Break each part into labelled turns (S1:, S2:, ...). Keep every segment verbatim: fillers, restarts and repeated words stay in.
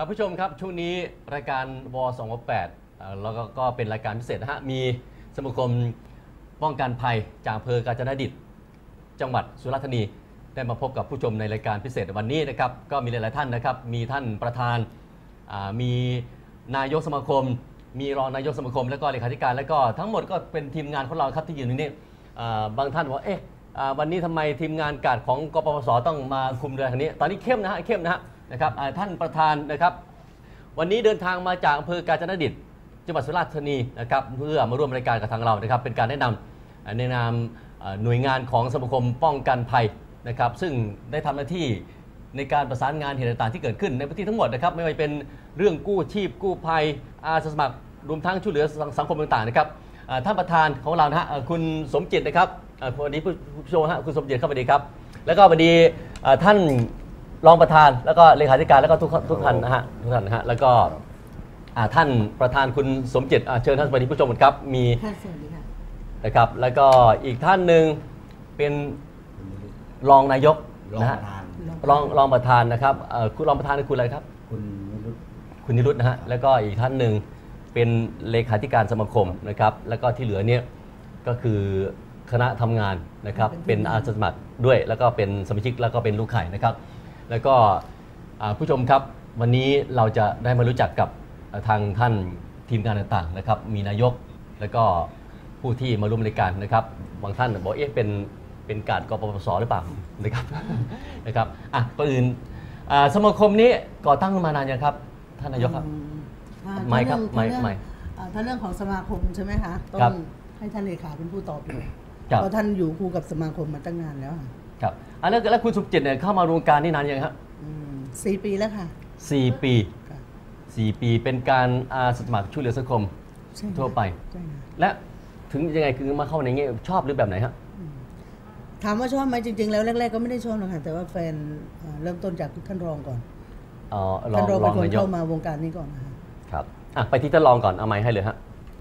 S1: ครับผู้ชมครับช่วงนี้รายการวสองแปดแล้วก็เป็นรายการพิเศษนะฮะมีสมาคมป้องกันภัยจากอำเภอกาญจนดิตจังหวัดสุราษฎร์ธานีได้มาพบกับผู้ชมในรายการพิเศษวันนี้นะครับก็มีหลายๆท่านนะครับมีท่านประธานมีนายกสมาคมมีรองนายกสมาคมแล้วก็เลขาธิการแล้วก็ทั้งหมดก็เป็นทีมงานของเราครับที่อยู่ในนี้บางท่านว่าเอ๊ะวันนี้ทำไมทีมงานการของกปปสต้องมาคุมเรือทางนี้ตอนนี้เข้มนะฮะเข้มนะฮะนะครับท่านประธานนะครับวันนี้เดินทางมาจากอำเภอกาญจนดิตจังหวัดสุราษฎร์ธานีนะครับเพื่อมาร่วมรายการกับทางเรานะครับเป็นการแนะนำในนามหน่วยงานของสมาคมป้องกันภัยนะครับซึ่งได้ทำหน้าที่ในการประสานงานเหตุต่างๆที่เกิดขึ้นในพื้นที่ทั้งหมดนะครับไม่ว่าเป็นเรื่องกู้ชีพกู้ภัยอาสาสมัครรวมทั้งช่วยเหลือสังคมต่างๆนะครับท่านประธานของเรานะฮะคุณสมจิตนะครับวันนี้ผู้ชมฮะคุณสมจิตเข้ามาดีครับแล้วก็วันนี้ท่านรองประธานแล้วก็เลขาธิการแล้วก็ทุกทุกท่านนะฮะทุกท่านนะฮะแล้วก็ท่านประธานคุณสมจิตเชิญท่านสวัสดีผู้ชมครับมีนะครับแล้วก็อีกท่านหนึ่งเป็นรองนายกนะฮะรองรองประธานนะครับคุณรองประธานคือคุณอะไรครับคุณนิรุตคุณนิรุตนะฮะแล้วก็อีกท่านหนึ่งเป็นเลขาธิการสมาคมนะครับแล้วก็ที่เหลือเนี่ยก็คือคณะทำงานนะครับเป็นอาสาสมัครด้วยแล้วก็เป็นสมาชิกแล้วก็เป็นลูกไข่นะครับแล้วก็ผู้ชมครับวันนี้เราจะได้มารู้จักกับทางท่านทีมงานต่างๆนะครับมีนายกแล้วก็ผู้ที่มาร่วมรายการนะครับบางท่านบอกเอ๊ะเป็นเป็นการกปปสหรือเปล่านะครับนะครับอ่ะก่อนอื่นสมาคมนี้ก่อตั้งมานานยังครับท่านนายกครับไม่ครับไม่ไม่
S2: ถ้าเรื่องของสมาคมใช่ไหมคะต้องให้ท่านเลขาเป็นผู้ตอบอยู่เพราะท่านอยู่คู่กับสมาคมมาตั้งนานแล้ว
S1: ครับอ่ะแล้วแล้วคุณสุขจิตเนี่ยเข้ามาวงการนี่นานยังครับ
S2: สี่ปีแล้วค่ะ
S1: สี่ปีสี่ปีเป็นการอาสาสมัครช่วยเหลือสังคมทั่วไปและถึงยังไงคือมาเข้าในนี้ชอบหรือแบบไหนฮะ
S2: ถามว่าชอบไหมจริงๆแล้วแรกๆก็ไม่ได้ชอบหรอกค่ะแต่ว่าแฟนเริ่มต้นจากท่านรองก่อนท่านรองเป็นคนเข้ามาวงการนี้ก่อนนะครับ
S1: ครับอ่ะไปที่ท่านรองก่อนเอาไมค์ให้เลยฮะ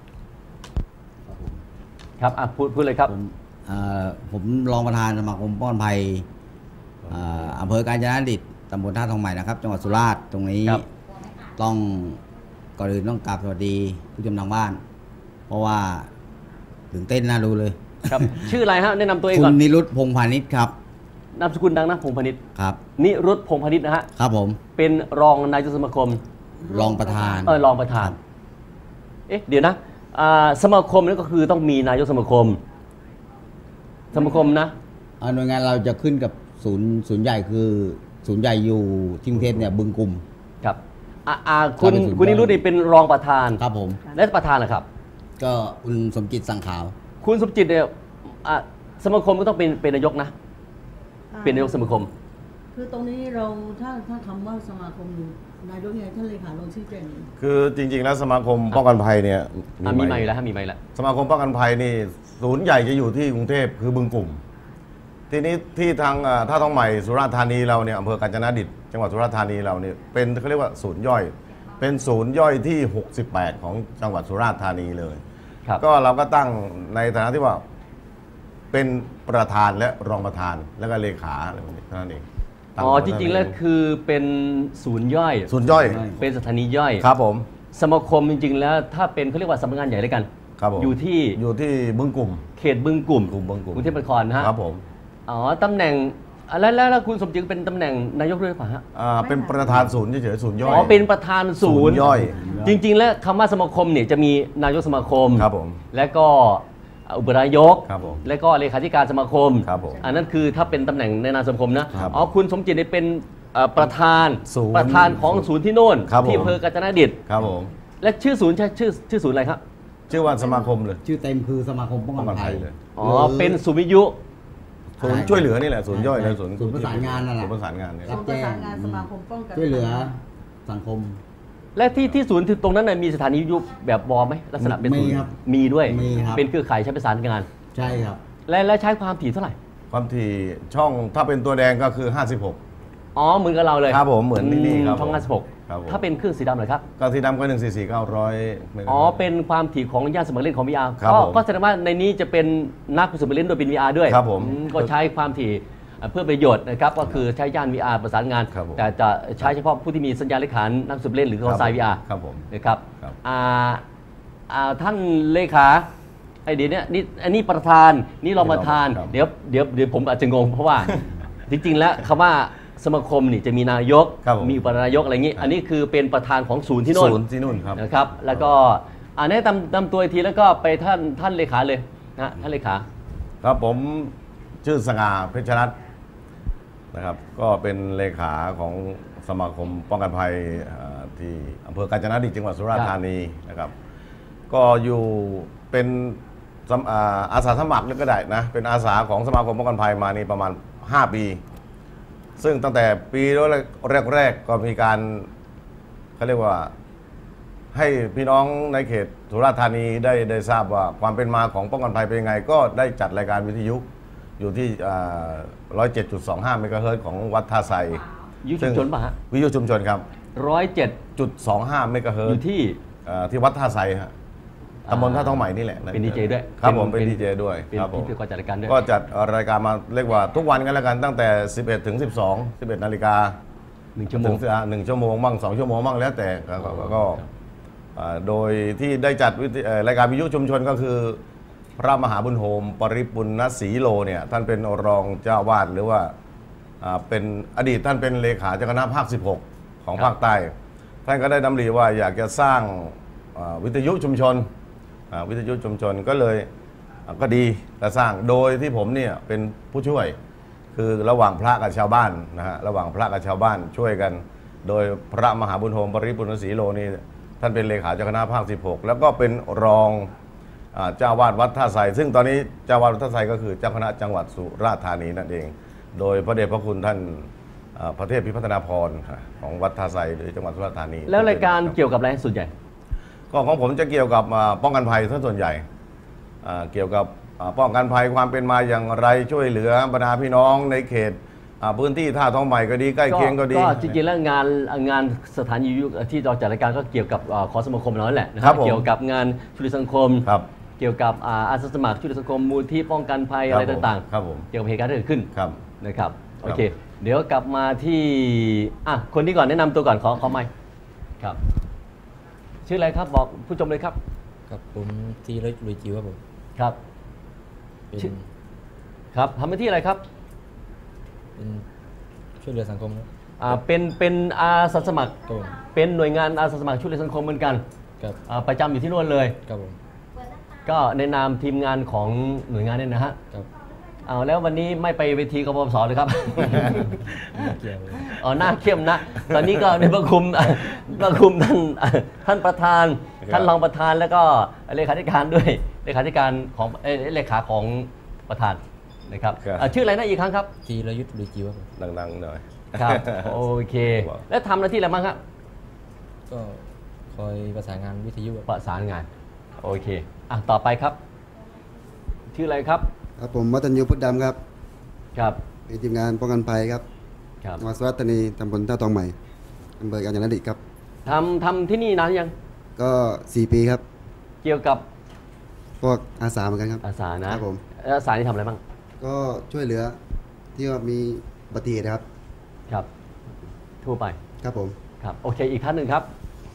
S1: ครับอ่ะพูดพูดเลยครับ
S3: ผมรองประธานสมาคมป้องกันภัยอำเภอกาญจนดิตตำบลท่าทองใหม่นะครับจังหวัดสุราษฎร์ตรงนี้ต้องก่อนอื่นต้องกราบสวัสดีผู้ชมทางบ้านเพราะว่าตื่นเต้นน่าดูเลย
S1: ครับชื่ออะไรฮะแนะนำตัวเองก่อน
S3: คุณนิรุตพงษ์พาณิชย์ครับ
S1: นามสกุลดังนะพงษ์พาณิชย์
S3: ครับ
S1: นิรุตพงษ์พาณิชย์นะฮะ
S3: ครับผม
S1: เป็นรองนายกสมาคม
S3: รองประธาน
S1: เออรองประธานเอ๊ะเดี๋ยวนะสมาคมนี่ก็คือต้องมีนายกสมาคมสมาคมนะ
S3: หน่วยงานเราจะขึ้นกับศูนย์ศูนย์ใหญ่คือศูนย์ใหญ่อยู่ที่กรุงเทพเนี่ยบึงกุม
S1: ครับอ่าคุณคุณนิรุตนี่เป็นรองประธาน
S3: ครับผม
S1: และประธานนะครับ
S3: ก็คุณสมจิตสังขาว
S1: คุณสมจิตเนี่ยสมาคมก็ต้องเป็นเป็นนายกนะเป็นนายกสมาคม
S2: คือตรงนี้เราถ้าถ้าคำว่าสมาคมนายกยังไงท่านเลขาลงชี้แจง
S4: คือจริงๆแล้วสมาคมป้องกันภัยเนี่ย
S1: มีไม่แล้วมีไม่แล้ว
S4: สมาคมป้องกันภัยนี่ศูนย์ใหญ่จะอยู่ที่กรุงเทพคือบึงกุ่มทีนี้ที่ทางท่าทองใหม่สุราษฎร์ธานีเราเนี่ยอำเภอกาญจนดิตจังหวัดสุราษฎร์ธานีเราเนี่ยเป็นเขาเรียกว่าศูนย์ย่อยเป็นศูนย์ย่อยที่หกสิบแปดของจังหวัดสุราษฎร์ธานีเลยก็เราก็ตั้งในฐานะที่ว่าเป็นประธานและรองประธานแล้วก็เลขาอะไรแบบนี้เท่านั้นเอง
S1: อ๋อจริงๆแล้วคือเป็นศูนย์ย่อย
S4: ศูนย์ย่อย
S1: เป็นสถานีย่อย
S4: ครับผม
S1: สมาคมจริงๆแล้วถ้าเป็นเขาเรียกว่าสำนักงานใหญ่ด้วยกันอยู่ที่
S4: อยู่ที่บึงกุ่ม
S1: เขตบึงกุ่ม
S4: กลุ่มบึงกุ่ม
S1: กรุงเทพมหานครนะฮะ
S4: ครับผม
S1: อ๋อตำแหน่งแล้วแล้วคุณสมจิตเป็นตำแหน่งนายกด้วยป่ะฮะ
S4: อ่าเป็นประธานศูนย์เฉยๆศูนย์ย่อย
S1: อ๋อเป็นประธานศูนย์
S4: ย่อย
S1: จริงๆแล้วคำว่าสมาคมเนี่ยจะมีนายกสมาคม
S4: ครับผม
S1: และก็อุปนายกและก็เลขาธิการสมาคมอันนั้นคือถ้าเป็นตำแหน่งในนามสมาคมนะอ๋อคุณสมจิตเนี่ยเป็นประธานประธานของศูนย์ที่โน่นที่อำเภอกาญจนดิต
S4: ครับผม
S1: และชื่อศูนย์ใช่ชื่อชื่อศูนย์อะไรครับ
S4: ชื่อว่าสมาคมเลย
S3: ชื่อเต็มคือสมาคมป้องกันภัย
S4: เลย
S1: อ๋อเป็นศูนย์วิทยุ
S4: ศูนย์ช่วยเหลือนี่แหละศูนย์ย่อยและศูนย์
S3: ศูนย์ประสานงานนั่นแหละ
S4: ศูนย์ประสานงานเนี่ย
S2: ศูนย์ประสานงานสมาคมป้องกัน
S3: ช่วยเหลือสังคม
S1: และที่ที่ศูนย์ตรงนั้นมีสถานีวิทยุแบบบอไหมลักษณะเป็นศูนย์มีด้วยเป็นเครือข่ายใช้ประสานงาน
S3: ใช่ครับ
S1: และและใช้ความถี่เท่าไหร่
S4: ความถี่ช่องถ้าเป็นตัวแดงก็คือห้าสิบหก
S1: อ๋อเหมือนกับเราเลย
S4: ครับผมเหมือนนี่ครับ
S1: ช่องห้าสิบหกถ้าเป็นเครื่องสีดำเลยครับ
S4: ก็สีดำก็หนึ่งสี่สี่เก้าร้อย
S1: อ๋อเป็นความถี่ของย่านสมัครเล่นของ วี อาร์ ก็แสดงว่าในนี้จะเป็นนักสมัครเล่นโดยเป็น วี อาร์ ด้วย
S4: ครับผม
S1: ก็ใช้ความถี่เพื่อประโยชน์นะครับก็คือใช้ย่าน วี อาร์ ประสานงาน
S4: ครับผม
S1: แต่จะใช้เฉพาะผู้ที่มีสัญญาณเลขขานนักสืบเล่นหรือคอไซ วี อาร์
S4: ครับผม
S1: นะครับ
S4: ครับ
S1: อ่าอ่าท่านเลขาไอเดี๋ยวนี้นี่อันนี้ประธานนี่รองประธาน
S4: ครับ
S1: เดี๋ยวเดี๋ยวเดี๋ยวผมอาจจะงงเพราะว่า จริงๆแล้วคำว่าสมาคมนี่จะมีนายก
S4: ครับผม
S1: มีอุปนายกอะไรอย่างนี้ อันนี้คือเป็นประธานของศูนย์ที่โน่น
S4: ศูนย์ที่นู่นครับ
S1: นะครับแล้วก็อ่าแนะนำนำตัวอีกทีแล้วก็ไปท่านท่านเลขาเลยนะท่านเลขา
S4: ครับผมชื่อสง่าเพชรรัตน์นะครับ ก็เป็นเลขาของสมาคมป้องกันภัยเอ่อที่อำเภอกาญจนดิตจังหวัดสุราษฎร์ธานีนะครับ ก็อยู่เป็นสมอ่าอาสาสมัครก็ได้นะเป็นอาสาของสมาคมป้องกันภัยมานี่ประมาณห้าปี ซึ่งตั้งแต่ปีแรกๆก็มีการเขาเรียกว่าให้พี่น้องในเขตสุราษฎร์ธานีได้ได้ทราบว่าความเป็นมาของป้องกันภัยเป็นยังไง ก็ได้จัดรายการวิทยุอยู่ที่ร้อยเจ็ดจุดสองห้าเมกะเฮิรตซ์ของวัดท่าไทร
S1: ยุชุมชนป่ะฮะ
S4: วิทยุชุมชนครับ
S1: ร้อยเจ็ด
S4: จุดสองห้าเมกะเฮิ
S1: อ
S4: รต
S1: ยู่
S4: ซ์
S1: ที่
S4: เอ่อที่วัดท่าไทรฮะตำบลท่าท้องใหม่นี่แหละ
S1: เป็นดีเจด้วย
S4: ครับผมเป็นดีเจด้วย
S1: เป็น
S4: ครับผม
S1: พิธีกรจัดรายการด้วย
S4: ก็จัดรายการมาเรียกว่าทุกวันกันแล้วกันตั้งแต่ สิบเอ็ดถึงสิบสอง สิบเอ็ดนาฬิกา
S1: หนึ่งชั่วโมง
S4: ถึหนึ่งชั่วโมงบ้างสองชั่วโมงบ้างแล้วแต่ก็ก็ก็ก็อ่าโดยที่ได้จัดวิทยเอ่อรายการวิทยุชุมชนก็คือ พระมหาบุญโฮมปริปุณณศรีโลเนี่ยท่านเป็นรองเจ้าวาดหรือว่าอ่าเป็นอดีตท่านเป็นเลขาเจ้าคณะภาคสิบหกของภาคใต้ ท่านก็ได้ดำริว่าอยากจะสร้างอ่าวิทยุชุมชนอ่าวิทยุชุมชนก็เลยอ่าก็ดีจะสร้างโดยที่ผมเนี่ยเป็นผู้ช่วย คือระหว่างพระกับชาวบ้านนะฮะระหว่างพระกับชาวบ้านช่วยกัน โดยพระมหาบุญโฮมปริปุณณศรีโลนี่ท่านเป็นเลขาเจ้าคณะภาคสิบหกแล้วก็เป็นรองอ่าเจ้าวาดวัดท่าไทรซึ่งตอนนี้เจ้าวาดวัดท่าไทรก็คือเจ้าคณะจังหวัดสุราษฎร์ธานีนั่นเอง โดยพระเดชพระคุณท่านอ่าพระเทพพิพัฒนาพรของวัดท่าไทรหรือจังหวัดสุราษฎร์ธานี
S1: แล้วรายการเกี่ยวกับอะไรส่วนใหญ่
S4: ก็ของผมจะเกี่ยวกับอ่าป้องกันภัยซะส่วนใหญ่อ่าเกี่ยวกับอ่าป้องกันภัยความเป็นมาอย่างไรช่วยเหลือบรรดาพี่น้องในเขตอ่าพื้นที่ท่าท้องใหม่ก็ดีใกล้เคียงก็ดี
S1: ก็จริงๆแล้วงานงานสถานีวิทยุที่เราจัดรายการก็เกี่ยวกับอ่าของสมาคมเรานั่นแหละนะค
S4: ครั
S1: รับบ
S4: ผม
S1: เกี่ยวกับงานช่วยเหลือสังคม
S4: ครับ
S1: เกี่ยวกับอ่าอาสาสมัครช่วยเหลือสังคมมูลที่ป้องกันภัย
S4: ครับ
S1: อะไรต่าง
S4: ครับผม
S1: ๆ เกี่ยวกับเหตุการณ์ที่เกิดขึ้น
S4: ครับ
S1: นะครับโอเค
S4: ครับ
S1: เดี๋ยวกลับมาที่อ่ะคนนี้ก่อนแนะนำตัวก่อนขอขอไมค์ครับ ชื่ออะไรครับบอกผู้ชมเลยครับ
S5: ครับผมธีรยุทธ์ลุยจิวครับผม
S1: ครับ
S5: เป็น
S1: ชื่อ ครับทำหน้าที่อะไรครับ
S5: เป็นช่วยเหลือสังคมครับ
S1: อ่าเป็นเป็นอาสาสมัคร
S5: ครับผม
S1: เป็นหน่วยงานอาสาสมัครช่วยเหลือสังคมเหมือนกัน
S5: ครับ
S1: อ่าประจำอยู่ที่นู่นเลย
S5: ครับผม
S1: ก็ในนามทีมงานของหน่วยงานเนี่ยนะฮะ
S5: ครับ
S1: เอาแล้ววันนี้ไม่ไปเวทีกบพศเลยครับ
S5: ไม่เกี่ยวเลย
S1: อ๋อหน้าเข้มนะ ตอนนี้ก็ในประคุม ประคุมท่านท่านประธาน
S4: ครับ
S1: ท่านรองประธานแล้วก็เลขาธิการด้วยเลขาธิการของเอ่อเลขาของประธานนะครับ
S4: ครับ
S1: อ่ะชื่ออะไรนะอีกครั้งครับ
S5: ธีรยุทธ์ลุยจิวครับผม
S4: ดังๆหน่อย
S1: ครับโอเค
S4: ครับ
S1: แล้วทำหน้าที่อะไรบ้างครับ
S5: ก็คอยประสานงานวิทยุครับ
S1: ประสานงานโอเคอ่ะต่อไปครับ ชื่ออะไรครับ
S6: ครับผมวัฒนยูพุทธดำครับ
S1: ครับ
S6: เป็นทีมงานป้องกันภัยครับ
S1: ครับ
S6: จังหวัดสุราษฎร์ธานีตำบลท่าทองใหม่อำเภอกาญจนดิตครับ
S1: ทำทำที่นี่นานหรือยัง
S6: ก็สี่ปีครับ
S1: เกี่ยวกับ
S6: พวกอาสาเหมือนกันครับ
S1: อาสานะครับ
S6: ผม
S1: แล้วอาสาที่ทำอะไรบ้าง
S6: ก็ช่วยเหลือที่ว่ามีอุบัติเหตุนะครับ
S1: ครับ ทั่วไป
S6: ครับผม
S1: ครับโอเคอีกท่านหนึ่งครับ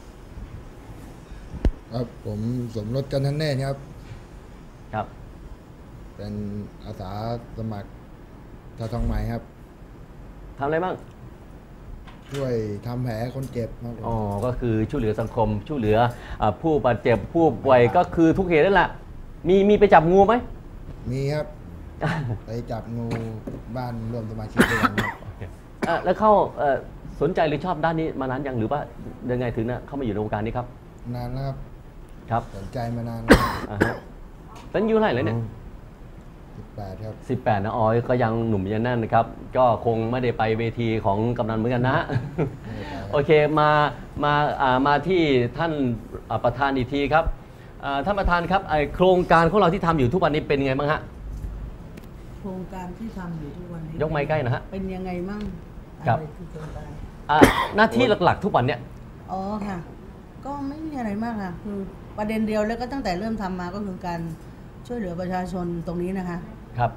S7: ครับผมสมรสกันทันแน่ครับ
S1: ครับ
S7: เป็นอาสาสมัครท่าทองใหม่ครับ
S1: ทำอะไรบ้าง
S7: ช่วยทำแผลคนเจ็บครับผม
S1: อ๋อ ก็คือช่วยเหลือสังคม ช่วยเหลืออาผู้บาดเจ็บ ผู้ป่วย ก็คือทุกเหตุนั่นแหละ มีมีไปจับงูไหม
S7: มีครับ ไปจับงูบ้านร่วมสมาชิกด้วยกันครับ
S1: อ่ะแล้วเข้าเอ่อสนใจหรือชอบด้านนี้มานานยังหรือว่ายังไงถึงนะเข้ามาอยู่ในวงการนี้ครับ
S7: นานแล้วครับ
S1: ครับ
S7: สนใจมานานแล้ว
S1: อ่าฮะตอนอายุเท่าไหร่แล้วเนี่ย
S7: สิบแปดครับ
S1: สิบแปดนะอ๋อก็ยังหนุ่มยังแน่นนะครับ ก็คงไม่ได้ไปเวทีของกำนันเหมือนกันนะ โอเคมามาอ่ามาที่ท่านอ่าประธานอีกทีครับอ่าท่านประธานครับไอโครงการของเราที่ทำอยู่ทุกวันนี้เป็นไงบ้างฮะ
S2: โครงการที่ทำอยู่ทุกวันนี้
S1: ยกไม้ใกล้นะฮะ
S2: เป็นยังไงมั่ง
S1: ครับ
S2: อะไรคือโครงการ
S1: อ่าหน้าที่หลักๆ ทุกวันเนี่ย
S2: อ๋อค่ะ ก็ไม่มีอะไรมากค่ะ คือประเด็นเดียวแล้วก็ตั้งแต่เริ่มทำมาก็คือการช่วยเหลือประชาชนตรงนี้นะคะ
S1: ครับ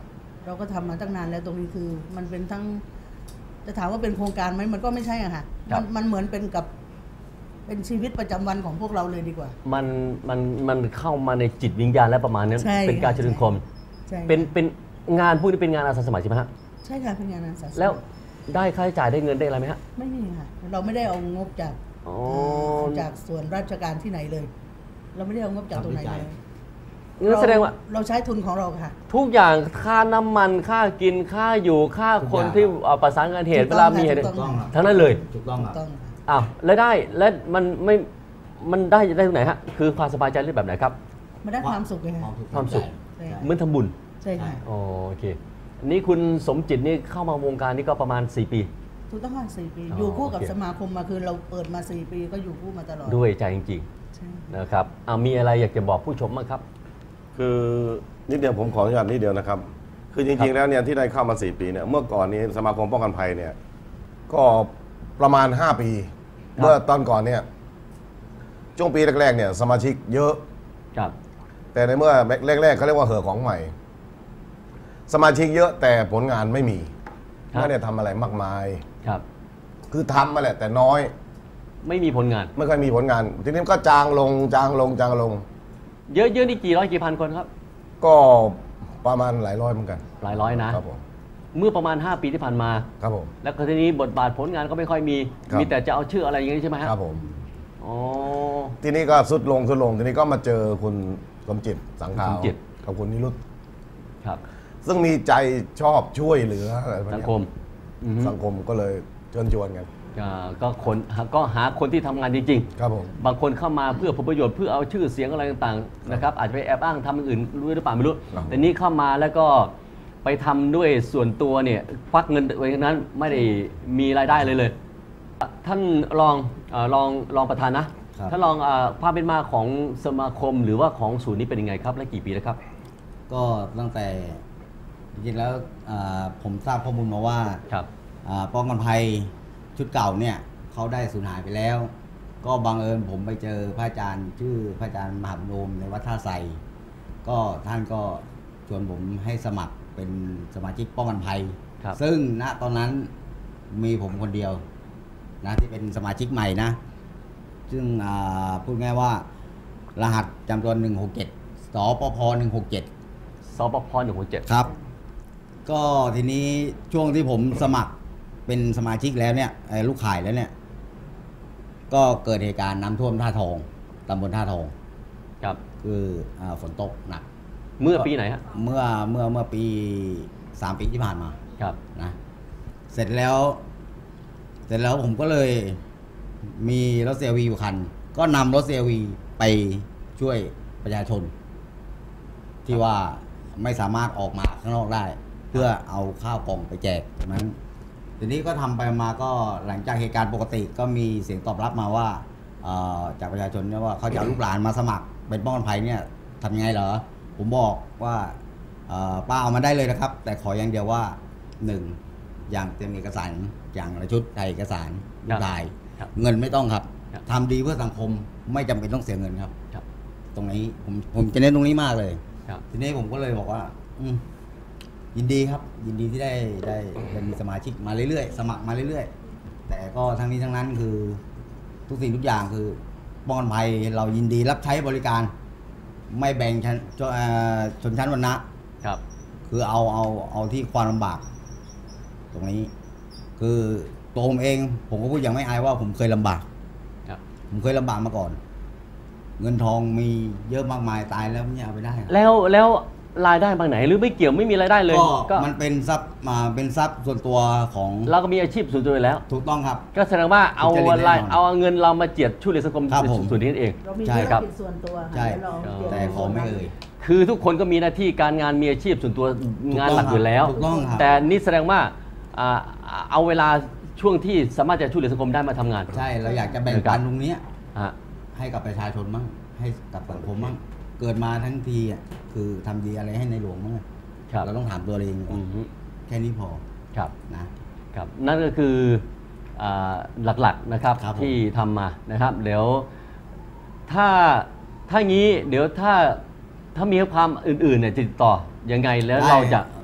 S2: เราก็ทำมาตั้งนานแล้วตรงนี้คือมันเป็นทั้งจะถามว่าเป็นโครงการไหมมันก็ไม่ใช่อะค่ะมันมันเหมือนเป็นกับเป็นชีวิตประจำวันของพวกเราเลยดีกว่า
S1: มันมันมันเข้ามาในจิตวิญญาณและประมาณนั้นเป็นการเจริญคม
S2: ใช่
S1: เป็นเป็นงานพวกนี้เป็นงานอาสาสมัครใช่ไหมฮะ
S2: ใช่ค่ะเป็นงานอาสาสมัคร
S1: แล้วได้ค่าใช้จ่ายได้เงินได้อะไรไหมฮะ
S2: ไม่มีค่ะเราไม่ได้เอางบจาก
S1: อ๋อ
S2: จากส่วนราชการที่ไหนเลย เราไม่ได้เอางบจากตรงไหนเลย
S1: งั้นแสดงว่า
S2: เราใช้ทุนของเราค่ะ
S1: ทุกอย่างค่าน้ำมันค่ากินค่าอยู่ค่าคนที่เอาประสานงานเหตุ
S2: ถู
S1: เว
S2: กต้
S1: ลา
S2: อง
S1: มีเหตุ
S2: ถูกต้อง
S1: ทั้งนั้นเลย
S3: ถูกต้องค
S2: ถู
S3: รับ
S2: กต้องค่ะ
S1: อ้าวแล้วได้และมันไม่มันได้ได้ตรงไหนฮะคือความสบายใจหรือแบบไหนครับ
S2: มันได้ความสุขเลยค่ะ
S1: ความสุข
S2: ใช่
S1: เหมือนทำบุญ
S2: ใช่ค่ะ
S1: อ๋อโอเคอันนี้คุณสมจิตนี่เข้ามาวงการนี้ก็ประมาณสี่ปี
S2: ถูกต้องค่ะสี่ปี
S1: อ๋อ
S2: อยู่คู่กับ
S1: โอเค
S2: สมาคมมาคือเราเปิดมาสี่ปีก็อยู่คู่มาตลอด
S1: ด้วยใจจริง
S2: ใช่
S1: ๆนะครับเอามีอะไรอยากจะบอกผู้ชมบ้างครับ
S4: คือนิดเดียวผมขออนุญาตนิดเดียวนะครับ คือจ
S1: ครั
S4: ริง
S1: บ
S4: ๆแล้วเนี่ยที่ได้เข้ามาสี่ปีเนี่ยเมื่อก่อนนี้สมาคมป้องกันภัยเนี่ยก็ประมาณห้าปี เมื่อตอนก่อนเนี่ยช่วงปีแรกๆเนี่ยสมาชิกเยอะ
S1: ครับ
S4: แต่ในเมื่อแรกๆเขาเรียกว่าเหอะของใหม่ สมาชิกเยอะแต่ผลงานไม่มี
S1: ครับ
S4: ไม่ได้ทำอะไรมากมาย
S1: ครับ
S4: คือทำมาแหละแต่น้อย
S1: ไม่มีผลงาน
S4: ไม่ค่อยมีผลงาน ทีนี้ก็จางลงจางลงจางลง
S1: เยอะๆนี่กี่ร้อยกี่พันคนครับ
S4: ก็ประมาณหลายร้อยเหมือนกัน
S1: หลายร้อยนะครับ
S4: ผม
S1: เมื่อประมาณ ห้า ปีที่ผ่านมา
S4: ครับผม
S1: แล้วก็ทีนี้บทบาทผลงานก็ไม่ค่อยมี
S4: ครับ
S1: มีแต่จะเอาชื่ออะไรอย่างนี้ใช่ไหมฮะ
S4: ครับผม
S1: อ๋อ
S4: ทีนี้ก็สุดลงสุดลงทีนี้ก็มาเจอคุณสมจิตสังขาว
S1: สมจิต
S4: กับคุณนิรุต
S1: ครับ
S4: ซึ่งมีใจชอบช่วยเหลืออะไรพวก
S1: สัง
S4: เนี้ย
S1: คมอือฮึ
S4: สังคมก็เลยเชิญชวนกัน
S1: อ่าก็คนก็หาคนที่ทำงานจริง
S4: ครับผม
S1: ๆ บางคนเข้ามาเพื่อผลประโยชน์เพื่อเอาชื่อเสียงอะไรต่างๆนะครับอาจจะไปแอบอ้างทำอย่างอื่นรู้หรือเปล่าไม่รู้
S4: ครับ
S1: แต่นี่เข้ามาแล้วก็ไปทำด้วยส่วนตัวเนี่ยควักเงินไว้นั้นไม่ได้มีรายได้เลยเลย ท่านรองเอ่อรองรองประธานนะครับ ท่านรองเอ่อความเป็นมาของสมาคมหรือว่าของศูนย์นี้เป็นยังไงครับและกี่ปีแล้วครับ
S3: ก็ตั้งแต่จริงๆแล้วอ่าผมทราบข้อมูลมาว่า
S1: ครับ
S3: อ่าป้องกันภัยชุดเก่าเนี่ยเขาได้สูญหายไปแล้ว ก็บังเอิญผมไปเจอพระอาจารย์ชื่อพระอาจารย์มหาบุญโอมในวัดท่าไทรก็ท่านก็ชวนผมให้สมัครเป็นสมาชิกป้องกันภัย
S1: ครับ
S3: ซึ่งณตอนนั้นมีผมคนเดียวนะที่เป็นสมาชิกใหม่นะ ซึ่งอ่าพูดง่ายว่ารหัสจำตัวหนึ่งหกเจ็ดสปพหนึ่งหกเจ็ด
S1: สปพหนึ่งหกเจ็ด
S3: ครับ ก็ทีนี้ช่วงที่ผมสมัครเป็นสมาชิกแล้วเนี่ยเอ่อลูกข่ายแล้วเนี่ย ก็เกิดเหตุการณ์น้ำท่วมท่าทองตำบลท่าทอง
S1: ครับ
S3: คืออาฝนตกหนัก
S1: เมื่อปีไหนฮะ
S3: เมื่อเมื่อเมื่อปีสามปีที่ผ่านมา
S1: ครับ
S3: นะเสร็จแล้ว เสร็จแล้วผมก็เลยมีรถเซลวีอยู่คัน ก็นำรถเซลวีไปช่วยประชาชน ที่ว่าไม่สามารถออกมาข้างนอกได้ เพื่อเอาข้าวกล่องไปแจกนั้นทีนี้ก็ทำไปมาก็หลังจากเหตุการณ์ปกติก็มีเสียงตอบรับมาว่าเอ่อจากประชาชนเนี่ยว่าเขาจะเอาลูกหลานมาสมัครเป็นป้องกันภัยเนี่ยทำยังไงเหรอผมบอกว่าเอ่อป้าเอามาได้เลยนะครับ แต่ขออย่างเดียวว่าหนึ่งอย่างเตรียมเอกสารอย่างละชุดถ่ายเอกสารลูกถ่าย
S1: ครับ
S3: เงินไม่ต้องครับ
S1: ครับ
S3: ทำดีเพื่อสังคมไม่จำเป็นต้องเสียเงินครับ
S1: ครับ
S3: ตรงนี้ผมผมจะเน้นตรงนี้มากเลย
S1: ครับ
S3: ทีนี้ผมก็เลยบอกว่า อืมยินดีครับ ยินดีที่ได้ได้เป็นสมาชิกมาเรื่อยๆ สมัครมาเรื่อยๆ แต่ก็ทั้งนี้ทั้งนั้นคือ ทุกสิ่งทุกอย่างคือป้องกันภัยเรายินดีรับใช้บริการ ไม่แบ่งชั้นชนเอ่อชนชั้นวรรณะ
S1: ครับ
S3: คือเอาเอาเอาที่ความลำบาก ตรงนี้ คือตัวผมเอง ผมก็พูดอย่างไม่อายว่าผมเคยลำบาก
S1: ครับ
S3: ผมเคยลำบากมาก่อน เงินทองมีเยอะมากมายตายแล้วไม่เอาไปได้ครับ
S1: แล้วแล้วรายได้บางไหนหรือไม่เกี่ยวไม่มีรายได้เลย
S3: ก็มันเป็นทรัพย์มาเป็นทรัพย์ส่วนตัวของ
S1: เราก็มีอาชีพส่วนตัวอยู่แล้ว
S3: ถูกต้องครับ
S1: ก็แสดงว่าเอา
S3: สุจริต
S1: อะไร
S3: แน่นอน
S1: เอาเงินเรามาเจียดช่วยเหลือสังคม
S3: ครับผม
S1: ส่วนนี้นั่นเอง
S2: เรามี
S3: ใช่
S2: ธุร
S1: ครับ
S2: กิจส่วนตัวค่ะ
S3: ใช่
S2: แล้วเราเกี่ยว
S3: แต่ขอไม่เอ่ย
S1: คือทุกคนก็มีหน้าที่การงานมีอาชีพส่วนตัว
S3: ถูกต้อง
S1: งานหลักอยู่แล้ว
S3: ถูกต้องครับ
S1: แต่นี่แสดงว่าอ่าเอาเวลาช่วงที่สามารถจะช่วยเหลือสังคมได้มาทำงาน
S3: ใช่เราอยากจะแบ่งปันตรงเนี้ย
S1: ฮะ
S3: ให้กับประชาชนมั่งให้กับสังคมมั่งเกิดมาทั้งทีอ่ะคือทำดีอะไรให้ในหลวงมั่ง
S1: ครับ
S3: เราต้องถามตัวเองก่อ
S1: อื
S3: น
S1: อฮึ
S3: แค่นี้พอ
S1: ครับ
S3: นะครับ
S1: นั่นก็คืออ่าหลักๆนะครับ
S3: ครับผม
S1: ที่ทำมานะครับเดี๋ยวถ้าถ้างี้เดี๋ยวถ้าถ้ามีความอื่นๆเนี่ยจะติดต่อยังไงแล้วเราจะ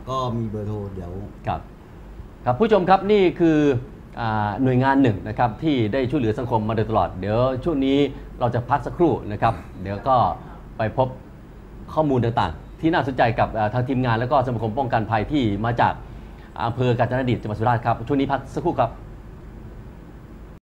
S3: ก็มีเบอร์โทรเดี๋ยว
S1: ครับครับผู้ชมครับนี่คืออ่าหน่วยงานหนึ่งนะครับที่ได้ช่วยเหลือสังคมมาโดยตลอดเดี๋ยวช่วงนี้เราจะพักสักครู่นะครับเดี๋ยวก็ไปพบข้อมูลต่างๆที่น่าสนใจกับอ่าทางทีมงานแล้วก็สมาคมป้องกันภัยที่มาจากอำเภอกาญจนดิตจังหวัดสุราษฎร์ครับช่วงนี้พักสักครู่ครับ